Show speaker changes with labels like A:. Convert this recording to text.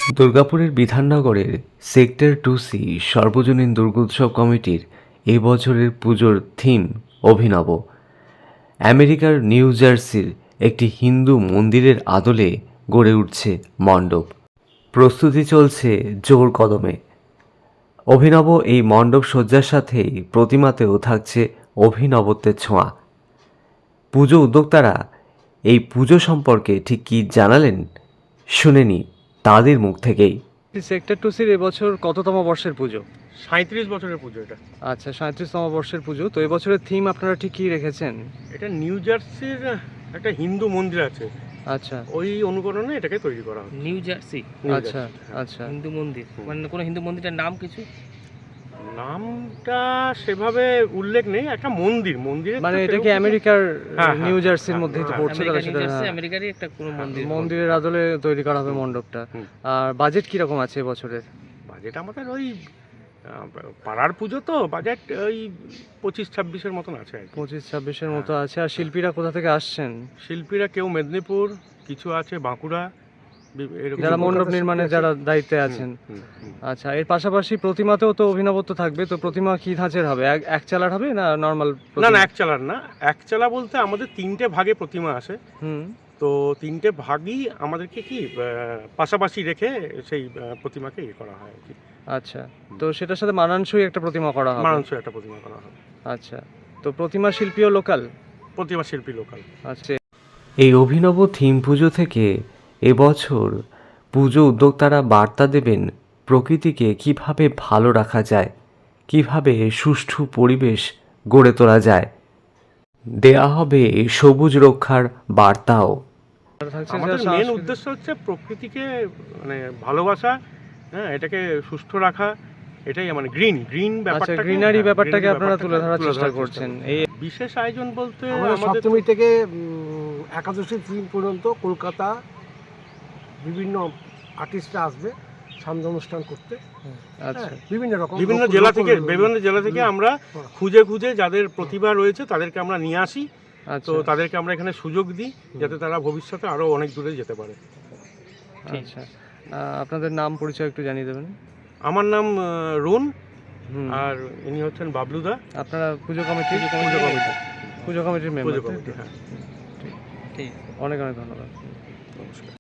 A: দুর্গাপুরের বিধাননগরের sector 2C সর্বজনীন দুর্গোৎসব কমিটির এই বছরের পুজোর থিম অভিনব। আমেরিকার নিউ জার্সির একটি হিন্দু মন্দিরের আদলে গড়ে উঠছে মণ্ডপ। প্রস্তুতি চলছে জোর কদমে। অভিনব এই মণ্ডপ সজ্জার সাথেই প্রতিমাতেও থাকছে অভিনবত্বের ছোঁয়া। পুজো উদ্যোক্তারা এই পুজো সম্পর্কে ঠিক কী জানালেন শুনে নি তাদের মুখ থেকেই। সেক্টর 2সির এবছর কততম বর্ষের পুজো?
B: 37 বছরের পুজো এটা।
A: আচ্ছা, 37তম বর্ষের পুজো। তো এবছরের থিম আপনারা ঠিক কী রেখেছেন?
B: এটা নিউ জার্সির একটা হিন্দু মন্দির আছে,
A: আচ্ছা,
B: ওই অনুকরণে এটাকে তৈরি করা হয়।
C: নিউ জার্সি
B: নিউ
A: আচ্ছা,
B: জার্সি, হ্যাঁ।
A: আচ্ছা।
C: হিন্দু মন্দির, মানে কোনো হিন্দু মন্দিরের নাম কিছু?
B: নামটা সেভাবে উল্লেখ নেই, একটা মন্দিরের
A: মানে
B: তো
A: এটা কি
B: সেরকম
A: আমেরিকার
B: হ্যাঁ,
A: নিউ জার্সির
B: হ্যাঁ,
A: মধ্যেই তো
B: হ্যাঁ,
A: পড়ছে, তাহলে
C: আমেরিকা, নিউ
A: সেটা
C: জার্সি আমেরিকারই একটা কোনো মন্দির।
A: মন্দিরের আদলে তৈরি করা হবে মণ্ডপটা।
B: হুম।
A: আর বাজেট কিরকম আছে এবছরের?
B: বাজেট আমাদের ওই পাড়ার পুজো তো বাজেট ওই 25-26-এর মতন আছে আর কি।
A: 25-26-এর মতো আছে। আর শিল্পীরা কোথা থেকে আসছেন?
B: শিল্পীরা কেউ মেদিনীপুর, কিছু আছে বাঁকুড়া, এরকম
A: যারা মণ্ডপ
B: কলকাতা
A: নির্মাণে
B: শিল্পী আছে।
A: যারা দায়িত্বে আছেন। আচ্ছা, এর পাশাপাশি প্রতিমাতেও তো অভিনবত্ব থাকবে। তো প্রতিমা কি ধাঁচের হবে? এক চালার হবে না নর্মাল?
B: না না, এক চালার না, এক চালা বলতে আমাদের 3টে ভাগে প্রতিমা আসে।
A: হুম।
B: তো 3টে ভাগই আমাদেরকে কি পাশাপাশি রেখে সেই প্রতিমাকে ইয়ে করা হয় আর কি।
A: আচ্ছা, তো সেটার সাথে মানানসই একটা প্রতিমা করা হবে।
B: মানানসই একটা প্রতিমা করা হবে।
A: আচ্ছা, তো প্রতিমা শিল্পীও লোকাল?
B: প্রতিমা শিল্পী লোকাল।
A: আচ্ছা, এই অভিনব থিম পুজো থেকে এবছর পুজো উদ্যোক্তারা বার্তা দেবেন প্রকৃতিকে কিভাবে ভালো রাখা যায়, কিভাবে সুষ্ঠু পরিবেশ গড়ে তোলা যায়। দেয়া হবে সবুজ রক্ষার বার্তাও।
B: আমাদের মেন উদ্দেশ্য হচ্ছে প্রকৃতিকে মানে ভালোবাসা, হ্যাঁ, এটাকে সুস্থ রাখা, এটাই মানে গ্রিন ব্যাপারটাকে,
A: গ্রিনারি ব্যাপারটাকে
B: green
A: আপনারা তুলে ধরার
B: তুলে
A: চেষ্টা করছেন। এই
B: বিশেষ আয়োজন বলতে
D: আমাদের
B: আমাদের
D: সপ্তমী থেকে একাদশী দিন পর্যন্ত কলকাতা বিভিন্ন আর্টিস্টরা আসবে সান্ধ্য অনুষ্ঠান করতে।
A: আচ্ছা,
D: হ্যাঁ, বিভিন্ন রকম
B: বিভিন্ন জেলা থেকে আমরা খুঁজে যাদের প্রতিভা রয়েছে তাদেরকে আমরা নিয়ে আসি। তো
A: আচ্ছা,
B: তাদেরকে আমরা এখানে সুযোগ দিই যাতে তারা ভবিষ্যতে আরো অনেক দূরে যেতে পারে।
A: আচ্ছা। আপনাদের নাম পরিচয় একটু জানিয়ে দেবেন।
B: আমার নাম রুন,
A: হুম।
B: আর ইনি হচ্ছেন বাবলুদা।
A: আপনারা পুজো কমিটির মেম্বার?
B: পুজো কমিটি, হ্যাঁ।
A: ঠিক, অনেক অনেক ধন্যবাদ।
B: নমস্কার।